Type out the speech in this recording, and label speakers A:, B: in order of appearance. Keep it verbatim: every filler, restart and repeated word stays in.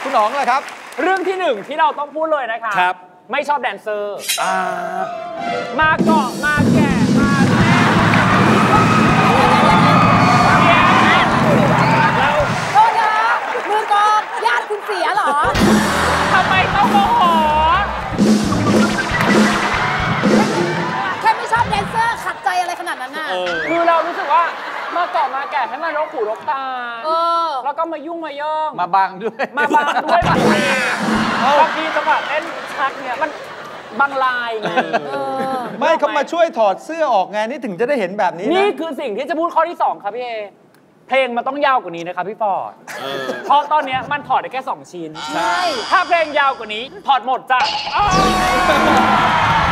A: คุณหนองล่ะครับ
B: เรื่องที่หนึ่งที่เราต้องพูดเลยนะคะ
A: ครับ
B: ไม่ชอบแดนเซอร์มาเกาะมาแก่มาแน่
C: เราโทษนะมือกองญาติคุณเสียเหรอ
B: ทำไมต้องโมโห
C: แค่ไม่ชอบแดนเซอร์ขัดใจอะไรขนาดนั้นน่ะ
B: คือเรารู้สึกว่ามาเกาะมาแก่ให้มันรกหูรกตาแล้วก็มายุ่งมาย่อง
A: มาบังด้วย
B: มาบังด้วยบางทีบางทีจังหวะเต้นชักเนี่ยมันบางลายไง
A: ไม่เขามาช่วยถอดเสื้อออกไงนี่ถึงจะได้เห็นแบบนี้
B: นี่คือสิ่งที่จะพูดข้อที่สองครับพี่เอเพลงมันต้องยาวกว่านี้นะครับพี่ฟอร์ดเพราะตอนนี้มันถอดได้แค่สองชิ้น
C: ใช่
B: ถ้าเพลงยาวกว่านี้ถอดหมดจ้ะ